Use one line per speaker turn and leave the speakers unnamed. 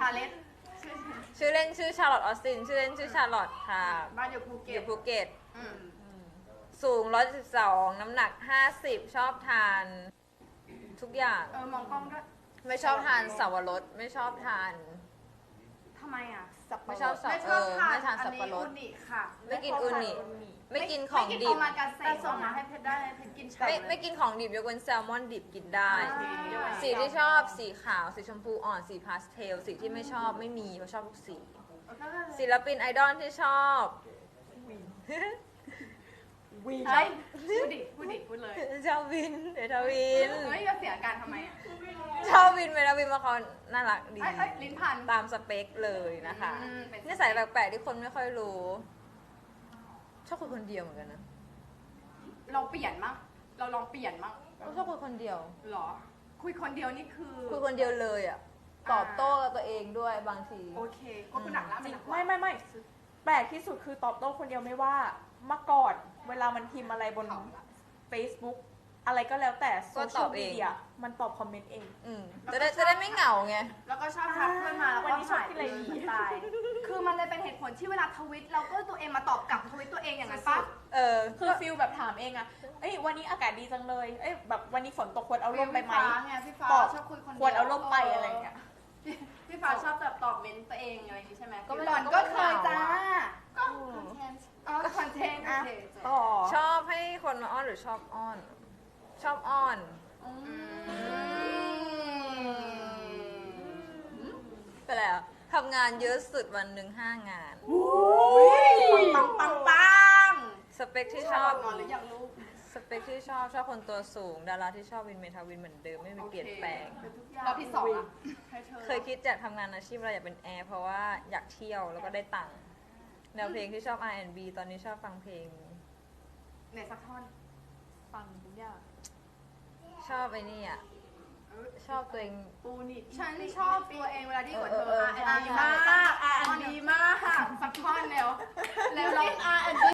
ชาเลต
ชื่อเล่นชื่อชาร์ลอตออสตินชื่อเล่นชื่อชาร์ลอตค่ะ
บ้านอยู่ภูเก็
อ
ต
ยู่ภูเก็ต
อืม
สูง112น้ำหนัก50ชอบทานทุกอย่าง
มองกล้องด้วย
ไม่ชอบทานสับปะรดไม่ชอบทาน
ทำไมอ่ะ
ไม่ชอบสับ
ไม่ชอบทาน
ไม่ทาน
อัน
สับ
นี้
ปะรด
อุนิค่ะ
ไม่กินอูนิไม่กินของดิบ
ไม่กินโอมากาเสะแต่ส่งมาให้เพชรได้เพชรกินฉ่ำ
ไม่กินของดิบยกเว้นแซลมอนดิบกินได้
อ่า
สีที่ชอบสีขาวสีชมพูอ่อนสีพาสเทลสีที่ไม่ชอบไม่มีเพราะชอบทุกสีศิลปินไอดอลที่ชอบ
วีใช่พูดดิพูดเลย
ชอบวินเดทาวิน
เฮ้ยจะเสียอาการทำไมอ่ะ
ชอบวินเวลาวินมาเขาน่ารักดี
เอ้ยลิ้นพัน
ตามสเปคเลยนะคะ
เป็นสเปค
นิสัยแปลกๆที่คนไม่ค่อยรู้ ชอบคุยคนเดียวเหมือนกันนะ
เราเปลี่ยนมั้งเราลองเปลี่ยนมั้ง
ชอบคุยคนเดียว
หรอ คุยคนเดียวนี่คือ
คุยคนเดียวเลยอ่ะตอบโต้กับตัวเองด้วยบางที
โอเคก็คือหนักแล้วมันหนักกว่า
ไม่แปลกที่สุดคือตอบโต้คนเดียวไม่ว่าเมื่อก่อนเวลามันพิมพ์อะไรบน Facebook อะไรก็แล้วแต่โซ
ก็ต
เชีย
อ
ล
บเอง
มีเดียมันตอบคอมเมนต์เอง
จะได้ไม่เหงาไง
แล้วก็ชอบทักเพื่อนมาแล้ว
วัน
ก็
นี้ชอบ
หาย
กิน
ไป
อะไร
เลย
ดี
ตาย คือมันเลยเป็นเหตุผลที่เวลาทวิตเราก็ตัวเองมาตอบกลับทวิตตัวเองอย่างนั้นปะ
คือฟิลแบบถามเองอะเอ้ยวันนี้อากาศดีจังเลยเอ้ยแบบวันนี้ฝนตกควรเอาร่มไปไหม
พี่ฟ้า
ตอบ
ชอบคุยคนเดียว
ควรเอาร่มไปอะไรอย่างเงี้ย
พี่ฟ้าชอบแบบตอบเมนต์ตัวเองอะไรอย่างงี้ใช่ไหม
ก็ไม่
หล่อน
ก็
ก็
ไม่
เคยจ้า
เหงาอะ
ก็คอนเทนต์อ๋อคอนเทนต์โอเค
ต่อ
ชอบให้คนมาอ้อนหรือชอบอ้อน ชอบอ้อน ไปแล้วทำงานเยอะสุดวันหนึ่ง5 งาน
ปัง
สเปคที่
ช
ช
อ
อ
บบ นอนหรือยังลูก
สเปคที่ชอบคนตัวสูง ดาราที่ชอบวินเมทาวินเหมือนเดิมไม่มีเปลี่ยนแปลง
รอบที่สองอะให้เธอ
เคยคิดอยากทำงานอาชีพอะไรอยากเป็นแอร์เพราะว่าอยากเที่ยวแล้วก็ได้ตังค์แนวเพลงที่ชอบ R&B ตอนนี้ชอบฟังเพลง
ไหนสักท่อน
ฟังทุกอย่าง
ชอบไอ้นี่อ่ะ ชอบตัวเอง
ปูนิฉันชอบตัวเองเวลาที่กด